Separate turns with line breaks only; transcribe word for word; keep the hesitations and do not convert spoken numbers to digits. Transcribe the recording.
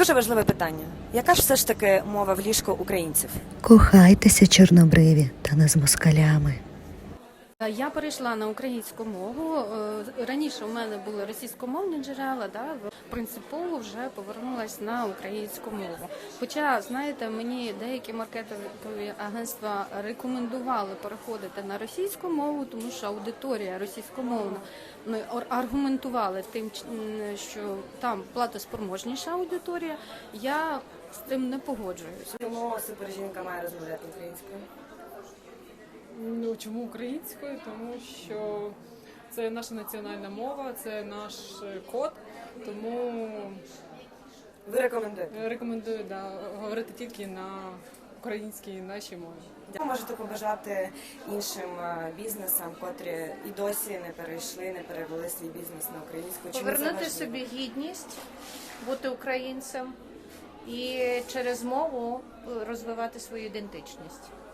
Дуже важливе питання. Яка ж все ж таки мова в ліжку українців?
Кохайтеся, чорнобриві, та не з москалями.
Я перейшла на українську мову. Е, Раніше у мене були російськомовні джерела, да, принципово вже повернулася на українську мову. Хоча, знаєте, мені деякі маркетингові агентства рекомендували переходити на російську мову, тому що аудиторія російськомовна, ну, аргументували тим, що там платоспроможніша аудиторія. Я з тим не погоджуюсь.
Чому супержінка має розмовляти українською?
Ну, чому українською? Тому що це наша національна мова, це наш код, тому
Ви рекомендуєте?
рекомендую да, говорити тільки на українській нашій мові.
Ви можете побажати іншим е, бізнесам, котрі і досі не перейшли, не перевели свій бізнес на українську? Чому це
Повернути
важливо?
собі гідність, бути українцем і через мову розвивати свою ідентичність.